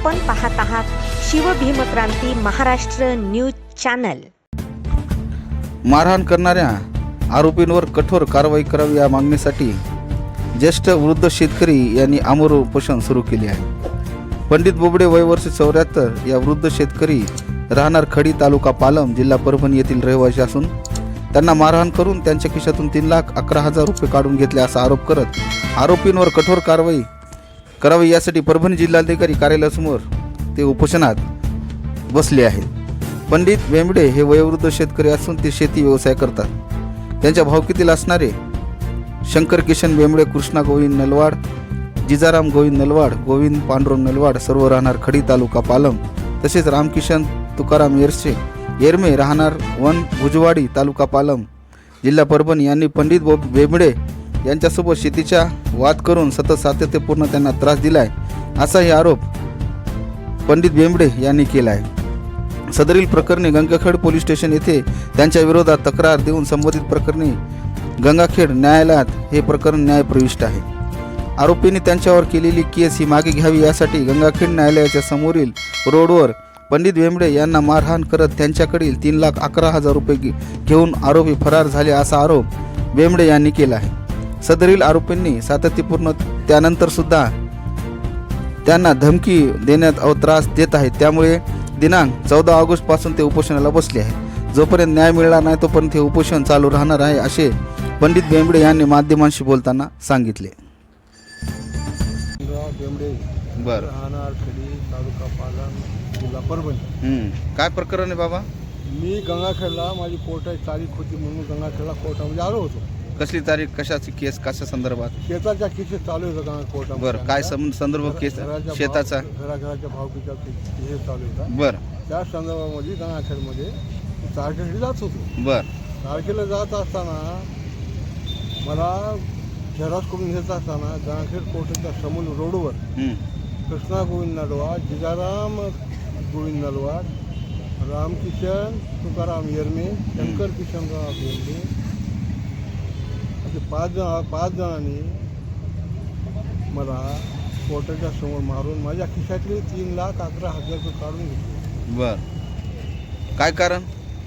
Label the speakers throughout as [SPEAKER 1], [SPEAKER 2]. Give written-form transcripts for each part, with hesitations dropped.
[SPEAKER 1] आपण पाहत आहात शिवभीमक्रांती महाराष्ट्र न्यूज चॅनल।
[SPEAKER 2] मारहाण करणाऱ्या आरोपींवर कठोर कारवाई करावी या मागणीसाठी ज्येष्ठ वृद्ध शेतकरी यांनी आमरण उपोषण सुरू केले आहे। पंडित बोबडे वय वर्ष 74 या वृद्ध शेतकरी राहणार खडी तालुका पालम जिल्हा परभणी येथील रहिवासी असून त्यांना मारहाण करून त्यांच्या खिशातून 3,11,000 रुपये काढून घेतले असा आरोप करत आरोपींवर कठोर कारवाई करावी यासाठी परभणी जिल्हाधिकारी कार्यालयासमोर ते उपोषणात बसले आहेत। पंडित बेंबडे हे वयोवृद्ध शेतकरी असून ते शेती व्यवसाय करतात। त्यांच्या भावकीतील असणारे शंकर किशन बेंबडे, कृष्णा गोविंद नलवाड, जिजाराम गोविंद नलवाड, गोविंद पांडुरंग नलवाड सर्व राहणार खडी तालुका पालम, तसेच रामकिशन तुकाराम येरमे राहणार वन भुजवाडी तालुका पालम जिल्हा परभणी यांनी पंडित बेंबडे यांच्यासोबत शेतीचा वाद करून सतत सातत्यपूर्ण त्यांना त्रास दिलाय असाही आरोप पंडित बेंबडे यांनी केला आहे। सदरील प्रकरणी गंगाखेड पोलीस स्टेशन येथे त्यांच्या विरोधात तक्रार देऊन संबंधित प्रकरणी गंगाखेड न्यायालयात हे प्रकरण न्यायप्रविष्ट आहे। आरोपींनी त्यांच्यावर केलेली केस ही मागे घ्यावी यासाठी गंगाखेड न्यायालयाच्या समोरील रोडवर पंडित बेंबडे यांना मारहाण करत त्यांच्याकडील 3,11,000 रुपये घेऊन आरोपी फरार झाले असा आरोप बेंबडे यांनी केला आहे। सदरील आरोपींनी सातत्यपूर्ण त्यानंतर सुद्धा त्यांना धमकी देण्यात व त्रास देत आहेत। त्यामुळे दिनांक 14 ऑगस्ट पासून ते उपोषणाला बसले आहेत। जोपर्यंत न्याय मिळणार नाही तोपर्यंत हे उपोषण चालू राहणार आहे असे पंडित बेंबडे यांनी माध्यमांशी बोलताना सांगितले। बर
[SPEAKER 3] तालुका पालम जिल्हा परभणी।
[SPEAKER 2] काय प्रकरण आहे बाबा?
[SPEAKER 3] मी गंगाखेडला माझी कोर्टाची तारीख होती म्हणून गंगाखेडला कोर्टामध्ये आलो होतो।
[SPEAKER 2] कसली तारीख, कशाची केस, कशा संदर्भात?
[SPEAKER 3] शेताच्या केसेस चालू होतं गंगा कोर्टामध्ये।
[SPEAKER 2] बर, काय संदर्भ केस शेताचा?
[SPEAKER 3] घराच्या भावकीचा केस चालू होता।
[SPEAKER 2] बर,
[SPEAKER 3] त्या संदर्भामध्ये गंगाखेडमध्ये तारखेला जात होतो।
[SPEAKER 2] बर,
[SPEAKER 3] तारखेला जात असताना मला झेरॉक्स करून घेत असताना गंगाखेड कोर्टाच्या समोर रोडवर कृष्णा गोविंद नलवाड, जिजाराम गोविंद नलवाड, रामकिशन तुकाराम येरमे, शंकर किशनराव बेंबडे असे 5 जणांनी मला कोर्टाच्या समोर मारून माझ्या खिशातले 3,11,000 रुपये काढून घेतले।
[SPEAKER 2] बर, काय कारण?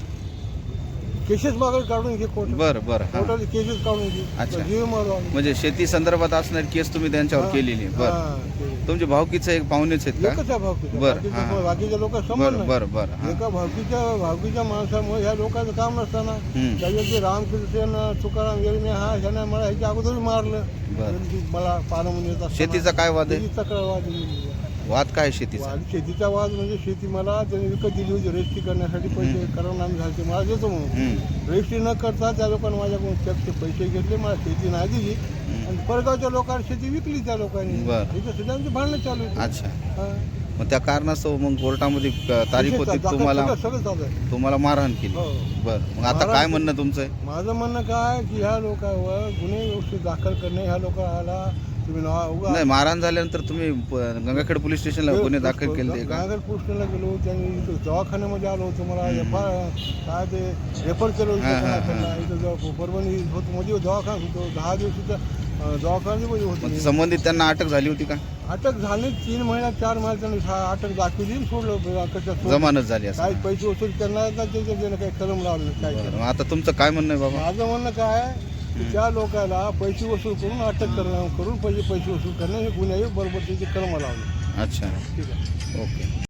[SPEAKER 3] केसेस मागे काढून घे कोर्ट।
[SPEAKER 2] बर बर,
[SPEAKER 3] कोर्टाचे केसेस काढून घे।
[SPEAKER 2] अच्छा,
[SPEAKER 3] जीव मारून
[SPEAKER 2] म्हणजे शेती संदर्भात असणारी केस तुम्ही त्यांच्यावर केलेली? बर, तुमचे भावकीचे एक पाहुणेच आहेत का?
[SPEAKER 3] एकच आहे भावकीचा।
[SPEAKER 2] बर,
[SPEAKER 3] बाकीच्या लोक
[SPEAKER 2] बर
[SPEAKER 3] समज
[SPEAKER 2] बर बर,
[SPEAKER 3] एका भावकीच्या माणसामुळे ह्या लोकांचं काम नसताना त्याच्या जे रामकृष्ण तुकाराम येरमे हा ह्याने मला ह्याच्या अगोदर मारलं। मला पालम
[SPEAKER 2] शेतीचा काय वाद आहे?
[SPEAKER 3] तक्रार
[SPEAKER 2] वाद काय शेतीचा?
[SPEAKER 3] शेतीचा वाद म्हणजे शेती मला त्यांनी विकत दिली होती रजिस्ट्री करण्यासाठी। पैसे करून आम्ही झाले मला देतो म्हणून रजिस्ट्री न करता त्या लोकांनी माझ्याकडून चेकचे पैसे घेतले, मला शेती नाही दिली आणि परगावच्या लोकांनी शेती विकली त्या लोकांनी। इथं सुद्धा आमची भांडणं चालू होती।
[SPEAKER 2] अच्छा, मग त्या कारणास्तव मग कोर्टामध्ये तारीख होती, तुम्हाला मारहाण केली? बर, मग आता काय म्हणणं तुमचं?
[SPEAKER 3] माझं म्हणणं काय की ह्या लोकांवर गुन्हे व्यवस्थित दाखल करणे, ह्या लोकांना
[SPEAKER 2] नाही, मारहाण झाल्यानंतर तुम्ही गंगाखेड पोलीस स्टेशनला गुन्हे दाखल केले का?
[SPEAKER 3] गंगाखेड पोलीस स्टेशनला गेलो, त्यांनी दवाखान्यामध्ये आलो होतो। मला काय ते रेफर केलं होतं इथं परभणी होतो मध्ये दवाखाना होतो। 10 दिवसाचा दवाखान्यामध्ये होतो।
[SPEAKER 2] संबंधित त्यांना अटक झाली होती का?
[SPEAKER 3] अटक झाली 3 महिन्यात 4 महिन्यात त्यांनी अटक दाखवली, सोडलं।
[SPEAKER 2] जमानत झाली असं?
[SPEAKER 3] काही पैसे वसूल त्यांना काही कलम लावलं काय।
[SPEAKER 2] आता तुमचं काय म्हणणं आहे बाबा?
[SPEAKER 3] माझं म्हणणं काय, त्या लोकांना पैसे वसूल करून अटक करून पैसे वसूल करणे हे गुन्हे बरोबर त्याचे कलम लावले।
[SPEAKER 2] अच्छा,
[SPEAKER 3] ठीक आहे,
[SPEAKER 2] ओके।